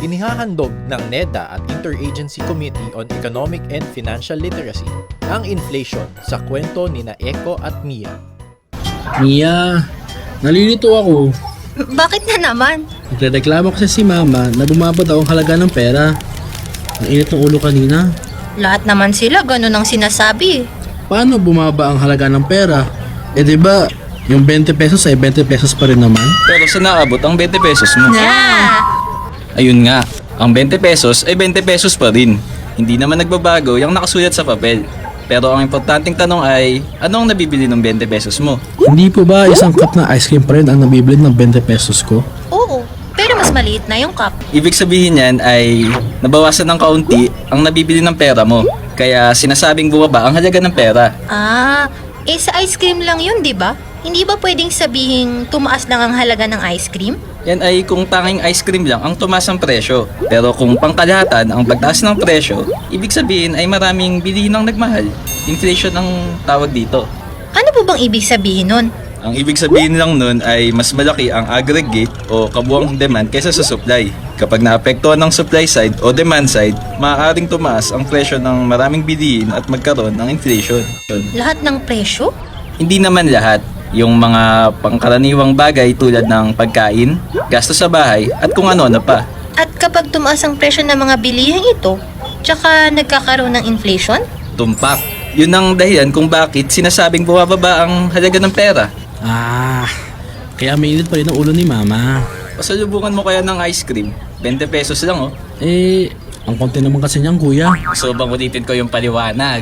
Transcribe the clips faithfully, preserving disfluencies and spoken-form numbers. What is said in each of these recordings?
Inihahandog ng NEDA at Interagency Committee on Economic and Financial Literacy ang inflation sa kwento ni na Eko at Mia. Mia, nalilito ako. Bakit na naman? Nagreklamo kasi si Mama na bumaba daw ang halaga ng pera. Ang init ng ulo kanina. Lahat naman sila ganun ang sinasabi. Paano bumaba ang halaga ng pera? Eh di ba, yung twenty pesos ay twenty pesos pa rin naman? Pero sa naabot ang twenty pesos mo. Yeah. Ayun nga, ang twenty pesos ay twenty pesos pa rin. Hindi naman nagbabago yung nakasulat sa papel. Pero ang importanteng tanong ay, anong nabibili ng twenty pesos mo? Hindi po ba isang cup na ice cream pa rin ang nabibili ng twenty pesos ko? Oo, pero mas maliit na yung cup. Ibig sabihin yan ay nabawasan ng kaunti ang nabibili ng pera mo. Kaya sinasabing bumaba ang halaga ng pera. Ah, eh sa ice cream lang yun, di ba? Hindi ba pwedeng sabihing tumaas lang ang halaga ng ice cream? Yan ay kung tanging ice cream lang ang tumaas ang presyo. Pero kung pangkalahatan ang pagtaas ng presyo, ibig sabihin ay maraming bilihin ang nagmahal. Inflation ang tawag dito. Ano po bang ibig sabihin nun? Ang ibig sabihin lang nun ay mas malaki ang aggregate o kabuang demand kaysa sa supply. Kapag naapektuhan ng supply side o demand side, maaaring tumaas ang presyo ng maraming bilihin at magkaroon ng inflation. Lahat ng presyo? Hindi naman lahat. Yung mga pangkaraniwang bagay tulad ng pagkain, gastos sa bahay at kung ano-ano pa. At kapag tumaas ang presyo ng mga bilihin ito, tsaka nagkakaroon ng inflation? Tumpak. Yun ang dahilan kung bakit sinasabing bumababa ang halaga ng pera. Ah, kaya mainit pa rin ang ulo ni Mama. Pasalubungan mo kaya ng ice cream. twenty pesos lang oh. Eh, ang konti naman kasi niyang kuya. So bang ulitin ko yung paliwanag?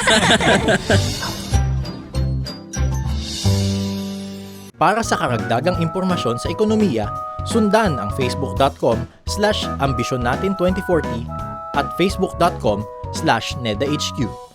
Para sa karagdagang impormasyon sa ekonomiya, sundan ang facebook.com slash ambisyon natin twenty forty at facebook.com slash nedahq.